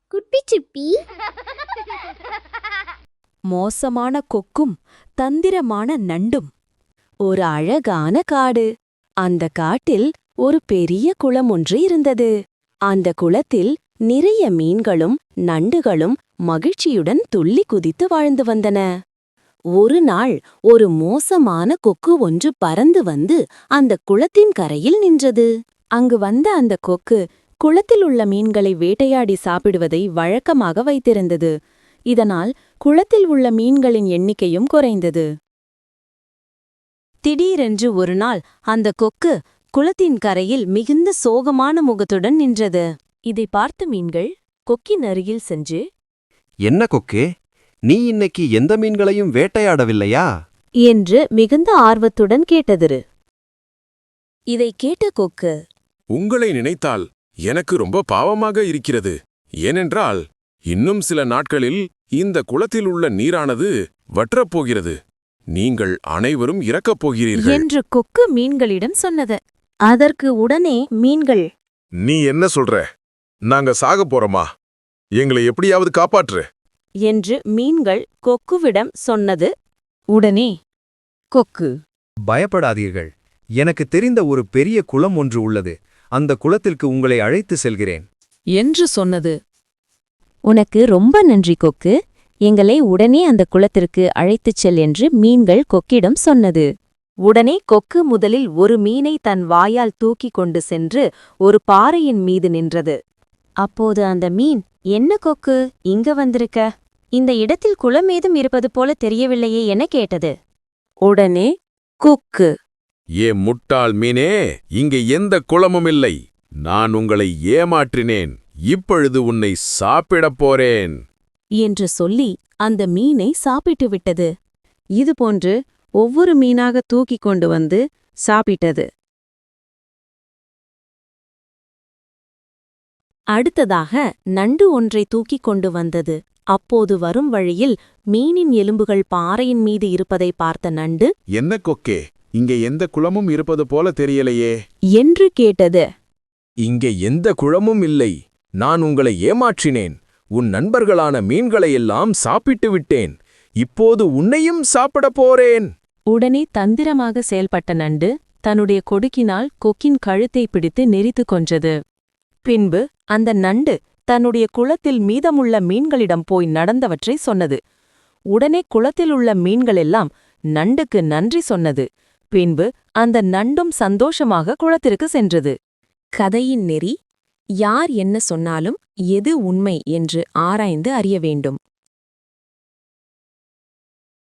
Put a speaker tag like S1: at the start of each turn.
S1: குட்டி சிப்பி.
S2: மோசமான கொக்கும் தந்திரமான நண்டும். ஒரு அழகான காடு. அந்த காட்டில் ஒரு பெரிய குளம் ஒன்று இருந்தது. அந்த குளத்தில் நிறைய மீன்களும் நண்டுகளும் மகிழ்ச்சியுடன் துள்ளி குதித்து வாழ்ந்து வந்தன. ஒரு நாள் ஒரு மோசமான கொக்கு ஒன்று பறந்து வந்து அந்த குளத்தின் கரையில் நின்றது. அங்கு வந்த அந்த கொக்கு குளத்தில் உள்ள மீன்களை வேட்டையாடி சாப்பிடுவதை வழக்கமாக வைத்திருந்தது. இதனால் குளத்தில் உள்ள மீன்களின் எண்ணிக்கையும் குறைந்தது. திடீரென்று ஒரு நாள் அந்த கொக்கு குளத்தின் கரையில் மிகுந்த சோகமான முகத்துடன் நின்றது. இதை பார்த்த மீன்கள் கொக்கின் அருகில் சென்று,
S3: என்ன கொக்கே, நீ இன்னைக்கு எந்த மீன்களையும் வேட்டையாடவில்லையா
S2: என்று மிகுந்த ஆர்வத்துடன் கேட்டது. இதை கேட்ட கொக்கு,
S4: உங்களை நினைத்தால் எனக்கு ரொம்ப பாவமாக இருக்கிறது. ஏனென்றால் இன்னும் சில நாட்களில் இந்த குளத்தில் உள்ள நீரானது வற்றப்போகிறது. நீங்கள் அனைவரும் இறக்கப் போகிறீர்கள்
S2: என்று கொக்கு மீன்களிடம் சொன்னது. அதற்கு உடனே மீன்கள்,
S4: நீ என்ன சொல்ற? நாங்க சாகப் போறோமா? எங்களை எப்படியாவது காப்பாற்று
S2: என்று மீன்கள் கொக்குவிடம் சொன்னது. உடனே கொக்கு,
S3: பயப்படாதீர்கள், எனக்கு தெரிந்த ஒரு பெரிய குளம் ஒன்று உள்ளது. அந்த குளத்திற்கு உங்களை அழைத்து செல்கிறேன்
S2: என்று சொன்னது. உனக்கு ரொம்ப நன்றி கொக்கு, எங்களை உடனே அந்த குளத்திற்கு அழைத்துச் செல் என்று மீன்கள் கொக்கிடம் சொன்னது. உடனே கொக்கு முதலில் ஒரு மீனை தன் வாயால் தூக்கிக் கொண்டு சென்று ஒரு பாறையின் மீது நின்றது. அப்போது அந்த மீன், என்ன கொக்கு, இங்க வந்திருக்க? இந்த இடத்தில் குளம் ஏதும் இருப்பது போல தெரியவில்லையே என கேட்டது. உடனே கொக்கு,
S4: ஏ முட்டாள் மீனே, இங்கே எந்த குளமும் இல்லை. நான் உங்களை ஏமாற்றினேன். இப்பொழுது உன்னை சாப்பிடப் போறேன்
S2: என்று சொல்லி அந்த மீனை சாப்பிட்டு விட்டது. இதுபோன்று ஒவ்வொரு மீனாக தூக்கிக் கொண்டு வந்து சாப்பிட்டது. அடுத்ததாக நண்டு ஒன்றை தூக்கிக் கொண்டு வந்தது. அப்போது வரும் வழியில் மீனின் எலும்புகள் பாறையின் மீது இருப்பதை பார்த்த நண்டு,
S4: என்ன கொக்கே, இங்கே எந்த குளமும் இருப்பது போல தெரியலையே
S2: என்று கேட்டது.
S4: இங்கே எந்த குளமும் இல்லை. நான் உங்களை ஏமாற்றினேன். உன் நண்பர்களான மீன்களையெல்லாம் சாப்பிட்டு விட்டேன். இப்போது உன்னையும் சாப்பிடப் போறேன்.
S2: உடனே தந்திரமாக செயல்பட்ட நண்டு தன்னுடைய கொடுக்கினால் கொக்கின் கழுத்தை பிடித்து நெரித்து கொன்றது. பின்பு அந்த நண்டு தன்னுடைய குளத்தில் மீதமுள்ள மீன்களிடம் போய் நடந்தவற்றை சொன்னது. உடனே குளத்தில் உள்ள மீன்களெல்லாம் நண்டுக்கு நன்றி சொன்னது. பின்பு அந்த நண்டும் சந்தோஷமாக குளத்திற்கு சென்றது. கதையின் நெறி: யார் என்ன சொன்னாலும் எது உண்மை என்று ஆராய்ந்து அறிய வேண்டும்.